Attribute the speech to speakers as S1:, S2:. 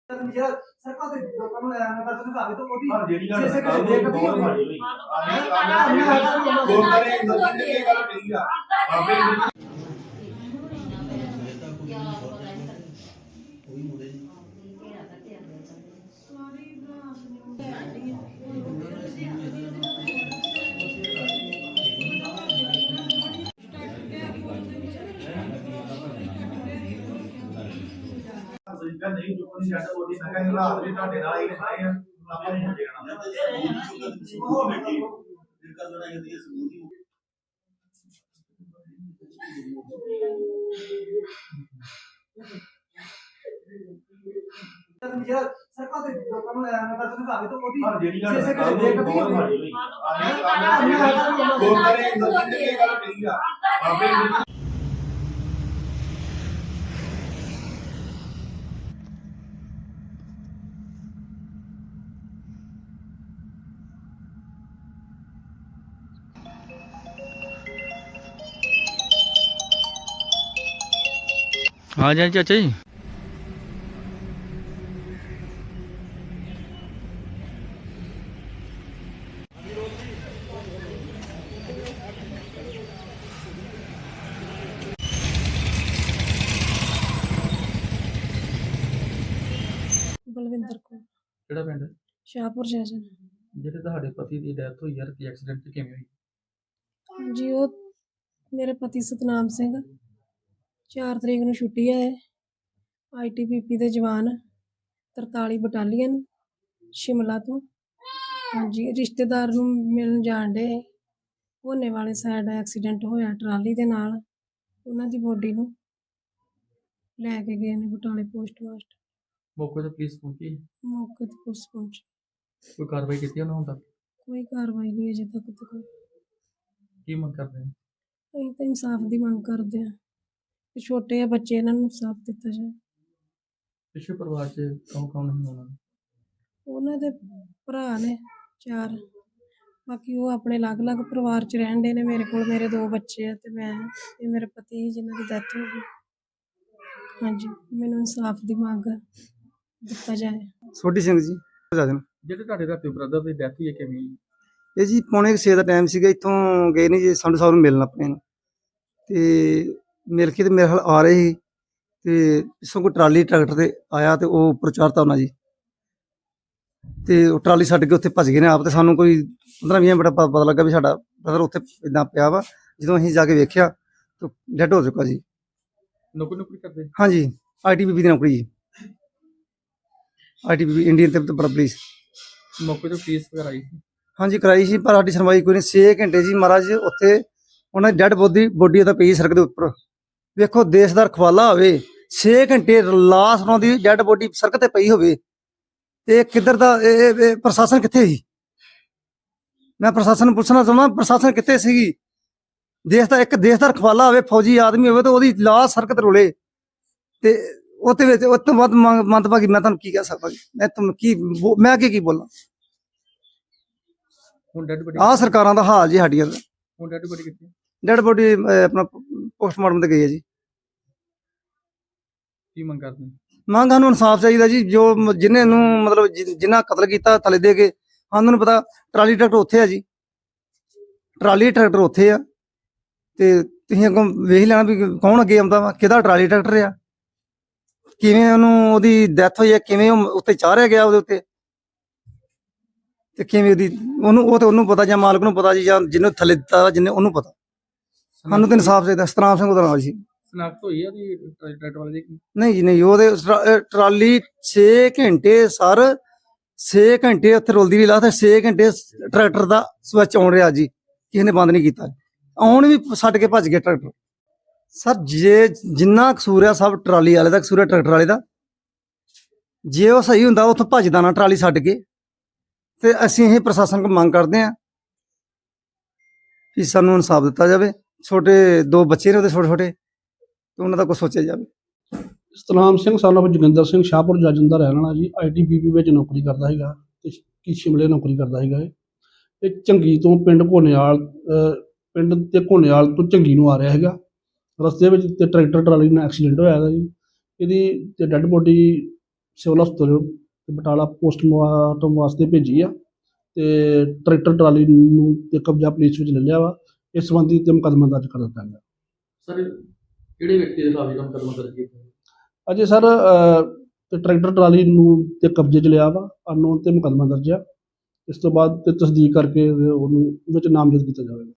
S1: ਸਰਕਾਰ ਦੇ ਲੋਕਾਂ ਨੂੰ ਐਵੇਂ ਕਰ ਦਿੰਦੇ ਭਾਵੇਂ ਤਾਂ ਉਹਦੀ
S2: ਜਿਹੜੀ ਗੱਲ
S1: ਛੇ ਘੰਟੇ ਦੇਖ ਵੀ ਹੋਵੇ।
S2: ਗੁਰਦਾਰੇ ਇੰਦਰ ਦੀ ਗੱਲ ਠੀਕ ਆ ਬਾਬੇ ਨਹੀਂ ਚੁੱਕਣੀ ਛੱਡ ਉਹਦੀ ਮੈਂ ਕਹਿੰਦਾ ਰਾਤ ਵੀ ਤੁਹਾਡੇ ਨਾਲ ਹੀ ਰਹੇ ਆ ਆਪਾਂ ਨੂੰ ਦੇਖਣਾ ਉਹ ਬੈਠੀ ਫਿਰ ਕਰ ਲੜਾਈ ਹੁੰਦੀ ਹੈ ਸਬੂਤ ਹੀ
S1: ਸਰਕਾਰ ਦੇ ਲੋਕਾਂ ਨੂੰ ਐਵੇਂ ਕਰ ਦਿੰਦੇ ਭਾਵੇਂ ਤਾਂ ਉਹਦੀ
S2: ਜਿਹੜੀ ਗੱਲ
S1: ਛੇ ਘੰਟੇ ਦੇਖ ਵੀ ਹੋਵੇ।
S2: ਗੁਰਦਾਰੇ ਇੰਦਰ ਦੀ ਗੱਲ ਠੀਕ ਆ ਬਾਬੇ
S3: हाँ जी चाचा जी
S4: ਬਲਵਿੰਦਰ ਕੌਰ
S3: ਕਿਹੜਾ ਪਿੰਡ
S4: ਸ਼ਾਹਪੁਰ ਜੈਸਨ।
S3: ਜਿਹੜੇ ਤੁਹਾਡੇ ਪਤੀ ਦੀ ਡੈਥ ਹੋਈ ਯਾਰ ਕੀ ਐਕਸੀਡੈਂਟ ਚ ਕਿਵੇਂ ਹੋਈ?
S4: ਹਾਂਜੀ, ਉਹ ਮੇਰੇ ਪਤੀ ਸਤਨਾਮ ਸਿੰਘ 4 ਤਰੀਕ ਨੂੰ ਛੁੱਟੀ ਆਏ ITBP ਦੇ ਜਵਾਨ 43 ਬਟਾਲੀਅਨ ਸ਼ਿਮਲਾ ਤੋਂ। ਹਾਂਜੀ, ਰਿਸ਼ਤੇਦਾਰ ਨੂੰ ਮਿਲਣ ਜਾਣ ਡੇ ਹੋਨੇ ਵਾਲੇ ਸਾਈਡ ਐਕਸੀਡੈਂਟ ਹੋਇਆ ਟਰਾਲੀ ਦੇ ਨਾਲ। ਉਹਨਾਂ ਦੀ ਬੋਡੀ ਨੂੰ ਲੈ ਕੇ ਗਏ ਨੇ ਬਟਾਲੇ ਪੋਸਟਮਾਸਟਰ।
S3: ਮੌਕੇ ਤੇ ਪੁਲਿਸ ਪਹੁੰਚੀ?
S4: ਮੌਕੇ ਤੇ ਪੁਲਿਸ ਪਹੁੰਚੀ।
S3: ਕੋਈ ਕਾਰਵਾਈ ਕੀਤੀ ਉਹਨਾਂ ਹੁਣ ਤੱਕ?
S4: ਕੋਈ ਕਾਰਵਾਈ ਨਹੀਂ ਅਜੇ ਤੱਕ ਤਾਂ ਕੋਈ।
S3: ਕੀ ਮੰਗ ਕਰਦੇ ਨੇ?
S4: ਅਸੀਂ ਤਾਂ ਇਨਸਾਫ ਦੀ ਮੰਗ ਕਰਦੇ ਹਾਂ ਕਿ ਛੋਟੇ ਆ ਬੱਚੇ, ਇਹਨਾਂ ਨੂੰ ਇਨਸਾਫ ਦਿੱਤਾ ਜਾਏ।
S3: ਪਿਛੇ ਪਰਿਵਾਰ ਚ ਕੌਣ ਨਹੀਂ ਹੋਣਾ?
S4: ਉਹਨਾਂ ਦੇ ਭਰਾ ਨੇ 4, ਬਾਕੀ ਉਹ ਆਪਣੇ ਅਲੱਗ-ਅਲੱਗ ਪਰਿਵਾਰ 'ਚ ਰਹਿਣ ਦੇ ਨੇ। ਮੇਰੇ ਕੋਲ ਮੇਰੇ 2 ਬੱਚੇ ਆ ਤੇ ਮੈਂ ਤੇ ਮੇਰੇ ਪਤੀ ਜਿਨ੍ਹਾਂ ਦੀ ਡੈਥ ਹੋ ਗਈ। ਹਾਂਜੀ, ਮੈਨੂੰ ਇਨਸਾਫ ਦੀ ਮੰਗ ਦਿੱਤਾ ਜਾਏ।
S5: ਸੋਢੀ ਸਿੰਘ ਜੀ
S3: ਜਿਹੜੇ ਤੁਹਾਡੇ ਰਾਤੀ ਬ੍ਰਦਰ ਦੀ ਡੈਥ ਹੋਈ ਹੈ ਕਿਵੇਂ ਹੋਈ?
S5: ਇਹ ਜੀ 5:30 ਦਾ ਟਾਈਮ ਸੀਗਾ। ਇੱਥੋਂ ਗਏ ਨੇ ਜੀ ਸੰਧੂ ਸਾਹਿਬ ਨੂੰ ਮਿਲਣ ਆਪਣੇ ਨੂੰ, ਤੇ ਮਿਲ ਕੇ ਤੇ ਮੇਰੇ ਨਾਲ ਆ ਰਹੇ ਸੀ ਤੇ ਪਿੱਛੋਂ ਕੋਈ ਟਰਾਲੀ ਟਰੈਕਟਰ ਤੇ ਆਇਆ ਤੇ ਉਹ ਉੱਪਰ ਚੜ੍ਹਤਾ ਉਹਨਾਂ ਜੀ, ਤੇ ਉਹ ਟਰਾਲੀ ਛੱਡ ਕੇ ਉੱਥੇ ਭੱਜ ਗਏ ਨੇ ਆਪ। ਤੇ ਸਾਨੂੰ ਕੋਈ 15-20 ਮਿੰਟ ਪਤਾ ਲੱਗਾ ਵੀ ਸਾਡਾ ਬ੍ਰਦਰ ਉੱਥੇ ਇਦਾਂ ਪਿਆ ਵਾ। ਜਦੋਂ ਅਸੀਂ ਜਾ ਕੇ ਵੇਖਿਆ ਤਾਂ ਡੈਡ ਹੋ ਚੁੱਕਾ ਜੀ।
S3: ਨੌਕਰੀ ਕਰਦੇ?
S5: ਹਾਂਜੀ, ITBP ਦੀ ਨੌਕਰੀ ਜੀ, ITBP ਇੰਡੀਅਨ ਤੇ ਪੁਲਿਸ।
S3: ਮੌਕੇ ਤੇ ਪੁਲਿਸ ਵਗੈਰਾ ਆਈ ਸੀ? ਹਾਂਜੀ,
S5: ਕਰਾਈ ਸੀ ਪਰ ਸਾਡੀ ਸੁਣਵਾਈ ਕੋਈ ਨਹੀਂ। 6 ਘੰਟੇ ਜੀ ਮਹਾਰਾਜ ਉੱਥੇ ਉਹਨਾਂ ਦੀ ਡੈਡ ਬੋਡੀ ਉਹਦਾ ਪਈ ਸੜਕ ਦੇ ਉੱਪਰ। ਵੇਖੋ, ਦੇਸ਼ ਦਾ ਰਖਵਾਲਾ ਹੋਵੇ, 6 ਘੰਟੇ ਲਾਸ਼ ਉਹਨਾਂ ਦੀ ਡੈਡ ਬੋਡੀ ਸੜਕ ਤੇ ਪਈ ਹੋਵੇ ਤੇ ਕਿੱਧਰ ਦਾ ਇਹ ਪ੍ਰਸ਼ਾਸਨ ਕਿੱਥੇ ਸੀ? ਮੈਂ ਪ੍ਰਸ਼ਾਸਨ ਨੂੰ ਪੁੱਛਣਾ ਚਾਹੁੰਦਾ, ਪ੍ਰਸ਼ਾਸਨ ਕਿੱਥੇ ਸੀਗੀ? ਦੇਸ਼ ਦਾ ਰਖਵਾਲਾ ਹੋਵੇ, ਫੌਜੀ ਆਦਮੀ ਹੋਵੇ ਤੇ ਉਹਦੀ ਲਾਸ਼ ਸੜਕ ਤੇ ਰੁਲੇ ਤੇ ਉਹਦੇ ਵਿੱਚ ਉਸ ਤੋਂ ਵੱਧ ਮੰਦਭਾਗੀ ਮੈਂ ਤੁਹਾਨੂੰ ਕੀ ਕਹਿ ਸਕਦਾ ਜੀ? ਮੈਂ ਕੀ ਬੋਲਾਂ?
S3: ਹੁਣ ਡੈਡ ਬੋਡੀ
S5: ਆਹ ਸਰਕਾਰਾਂ ਦਾ ਹਾਲ ਜੀ ਸਾਡੀਆਂ ਦਾ।
S3: ਹੁਣ ਡੈਡ ਬੋਡੀ ਕਿੱਥੇ?
S5: ਡੈਡ ਬੋਡੀ ਆਪਣਾ ਪੋਸਟਮਾਰਟਮ ਤੇ ਗਈ ਹੈ ਜੀ।
S3: ਕੀ ਮੰਗ ਕਰਦੇ ਨੇ?
S5: ਮੰਗ ਸਾਨੂੰ ਇਨਸਾਫ ਚਾਹੀਦਾ ਜੀ। ਜੋ ਜਿਹਨੇ ਨੂੰ ਮਤਲਬ ਜਿੰਨਾ ਕਤਲ ਕੀਤਾ ਥਲੇ ਦੇ ਕੇ, ਸਾਨੂੰ ਨੂੰ ਪਤਾ ਟਰਾਲੀ ਟਰੈਕਟਰ ਉੱਥੇ ਆ ਜੀ, ਟਰਾਲੀ ਟਰੈਕਟਰ ਉੱਥੇ ਆ ਤੇ ਤੁਸੀਂ ਅੱਗੋਂ ਵੇਖ ਲੈਣਾ ਵੀ ਕੌਣ ਅੱਗੇ ਆਉਂਦਾ ਵਾ, ਕਿਹਦਾ ਟਰਾਲੀ ਟਰੈਕਟਰ ਆ, ਕਿਵੇਂ ਉਹਨੂੰ ਉਹਦੀ ਡੈਥ ਹੋਈ ਹੈ, ਕਿਵੇਂ ਉਹ ਉੱਤੇ ਚਾੜਿਆ ਗਿਆ ਉਹਦੇ ਉੱਤੇ, ਤੇ ਕਿਵੇਂ ਉਹਨੂੰ ਪਤਾ ਜਾਂ ਮਾਲਕ ਨੂੰ ਪਤਾ ਜੀ, ਜਾਂ ਜਿਹਨੂੰ ਥੱਲੇ ਦਿੱਤਾ ਜਿਹਨੇ ਉਹਨੂੰ ਪਤਾ। ਸਾਨੂੰ ਤਾਂ ਇਨਸਾਫ ਚਾਹੀਦਾ। ਸਤਨਾਮ ਸਿੰਘ ਉਹਦਾ ਨਾਮ ਜੀ।
S3: ਸਨਾਖਤ ਹੋਈ ਆ ਦੀ ਟਰੈਕਟਰ ਵਾਲੇ ਦੀ?
S5: ਨਹੀਂ ਜੀ ਨਹੀਂ, ਉਹਦੇ ਟਰਾਲੀ 6 ਘੰਟੇ ਸਰ 6 ਘੰਟੇ ਉੱਥੇ ਰੁਲਦੀ ਰਹੀ ਲਾ ਤੇ 6 ਘੰਟੇ ਟਰੈਕਟਰ ਦਾ ਸਵਿਚ ਆਉਣ ਰਿਹਾ ਜੀ, ਕਿਸੇ ਨੇ ਬੰਦ ਨਹੀਂ ਕੀਤਾ। ਆਉਣ ਵੀ ਛੱਡ ਕੇ ਭੱਜ ਗਿਆ ਟਰੈਕਟਰ। ਸਰ ਜਿੰਨਾ ਕਸੂਰ ਆ ਸਭ ਟਰਾਲੀ ਵਾਲੇ ਦਾ ਕਸੂਰ ਆ, ਟਰੈਕਟਰ ਵਾਲੇ ਦਾ। ਜੇ ਉਹ ਸਹੀ ਹੁੰਦਾ ਉੱਥੋਂ ਭੱਜਦਾ ਨਾ ਟਰਾਲੀ ਛੱਡ ਕੇ। ਤੇ ਅਸੀਂ ਇਹ ਪ੍ਰਸ਼ਾਸਨ ਕੋਲ ਮੰਗ ਕਰਦੇ ਹਾਂ ਕਿ ਸਾਨੂੰ ਇਨਸਾਫ ਦਿੱਤਾ ਜਾਵੇ। ਛੋਟੇ 2 ਬੱਚੇ ਨੇ ਉਹਦੇ ਛੋਟੇ ਤੇ ਉਹਨਾਂ ਦਾ ਕੁਛ ਸੋਚਿਆ ਜਾਵੇ।
S6: ਸਤਨਾਮ ਸਿੰਘ son of ਜੋਗਿੰਦਰ ਸਿੰਘ ਸ਼ਾਹਪੁਰ ਜੱਜਨ ਦਾ ਰਹਿਣ ਵਾਲਾ ਜੀ। ITBP ਵਿੱਚ ਨੌਕਰੀ ਕਰਦਾ ਹੈਗਾ ਤੇ ਕੀ ਸ਼ਿਮਲੇ ਨੌਕਰੀ ਕਰਦਾ ਹੈਗਾ। ਇਹ ਝੰਗੀ ਤੋਂ ਪਿੰਡ ਘੋਨੇਵਾਲ ਤੋਂ ਝੰਗੀ ਨੂੰ ਆ ਰਿਹਾ ਹੈਗਾ। ਰਸਤੇ ਵਿੱਚ ਤੇ ਟਰੈਕਟਰ ਟਰਾਲੀ ਨਾਲ ਐਕਸੀਡੈਂਟ ਹੋਇਆ ਹੈਗਾ ਜੀ। ਇਹਦੀ ਤੇ ਡੈੱਡ ਬੋਡੀ ਸਿਵਲ ਹਸਪਤਾਲ ਤੇ ਬਟਾਲਾ ਪੋਸਟਮਾਰਟਮ ਵਾਸਤੇ ਭੇਜੀ ਆ ਤੇ ਟਰੈਕਟਰ ਟਰਾਲੀ ਨੂੰ ਤੇ ਕਬਜ਼ਾ ਪੁਲਿਸ ਵਿੱਚ ਲੈ ਲਿਆ ਵਾ। ਇਸ ਸੰਬੰਧੀ ਤੇ ਮੁਕੱਦਮਾ ਦਰਜ ਕਰ ਦਿੱਤਾ ਗਿਆ।
S3: ਸਰ ਕਿਹੜੇ ਵਿਅਕਤੀ ਦੇ ਖਿਲਾਫ ਜਿਹੜਾ ਮੁਕੱਦਮਾ ਦਰਜ ਕੀਤਾ ਹੈ?
S6: ਅਜੇ ਸਰ ਤੇ ਟਰੈਕਟਰ ਟਰਾਲੀ ਨੂੰ ਤੇ ਕਬਜ਼ੇ 'ਚ ਲਿਆ ਵਾ, ਅਨਨੋਨ ਤੇ ਮੁਕੱਦਮਾ ਦਰਜ ਆ। ਇਸ ਤੋਂ ਬਾਅਦ ਤੇ ਤਸਦੀਕ ਕਰਕੇ ਉਹਨੂੰ ਵਿੱਚ ਨਾਮਜ਼ਦ ਕੀਤਾ ਜਾਵੇਗਾ।